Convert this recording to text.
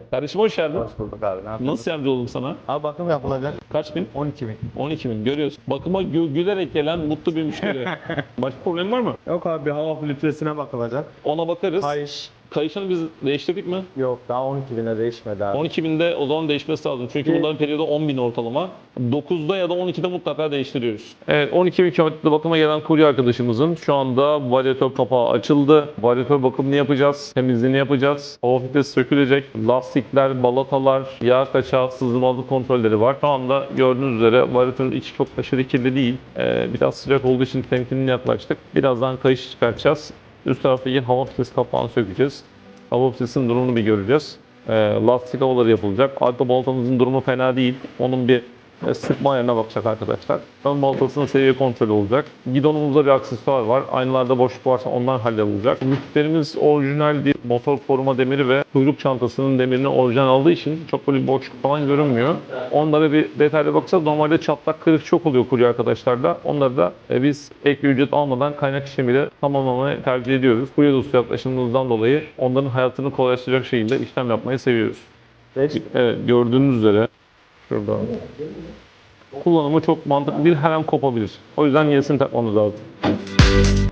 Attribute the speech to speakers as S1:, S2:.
S1: Kardeşim hoş geldin.
S2: Hoş bulduk abi. Ne yapıyorsun?
S1: Nasıl yardımcı oldum sana?
S2: Abi bakım yapılacak.
S1: Kaç bin?
S2: 12.000.
S1: 12 bin. Görüyorsun. Bakıma gülerek gelen mutlu bir müşteri. Başka problem var mı?
S2: Yok abi, bir hava filtresine bakılacak.
S1: Ona bakarız.
S2: Kayış.
S1: Kayışını biz değiştirdik mi?
S2: Yok, daha 12.000'e değişmedi abi.
S1: 12 binde o zaman değişmesi lazım. Çünkü bunların periyodu 10 bin ortalama. 9'da ya da 12'de mutlaka değiştiriyoruz. Evet, 12 bin kilometrede bakıma gelen kurye arkadaşımızın şu anda varyatör kapağı açıldı. Varyatör bakımını yapacağız. Temizliğini yapacağız. Hava filtresi sökülecek. Lastikler, balatalar, yağ kaçağı, sızmalı kontrolleri var. Şu anda gördüğünüz üzere varyatörün içi çok aşırı kirli değil. Biraz sıcak olduğu için temkinli yaklaştık. Birazdan kayış çıkartacağız. Üst taraftaki hava filtresi kapağını sökeceğiz. Hava filtresinin durumunu bir göreceğiz. Lastik havaları yapılacak. Arka baltamızın durumu fena değil. Onun bir sıkma ayarına bakacak arkadaşlar. Ön baltasının seviye kontrolü olacak. Gidonumuzda bir aksesuar var. Aynalarda boşluk varsa onlar hallolacak. Lütflerimiz orijinal bir motor koruma demiri ve kuyruk çantasının demirini orijinal aldığı için çok böyle bir boşluk falan görünmüyor. Onlara bir detaylı bakacağız. Normalde çatlak kırık çok oluyor kurye arkadaşlarla. Onları da biz ek ücret almadan kaynak işlemiyle tamamlamayı tercih ediyoruz. Kurye dostu yaklaşımımızdan dolayı onların hayatını kolaylaştıracak şekilde işlem yapmayı seviyoruz. Evet, gördüğünüz üzere şurada. Kullanımı çok mantıklı değil, her an kopabilir. O yüzden yenisini takmamız lazım.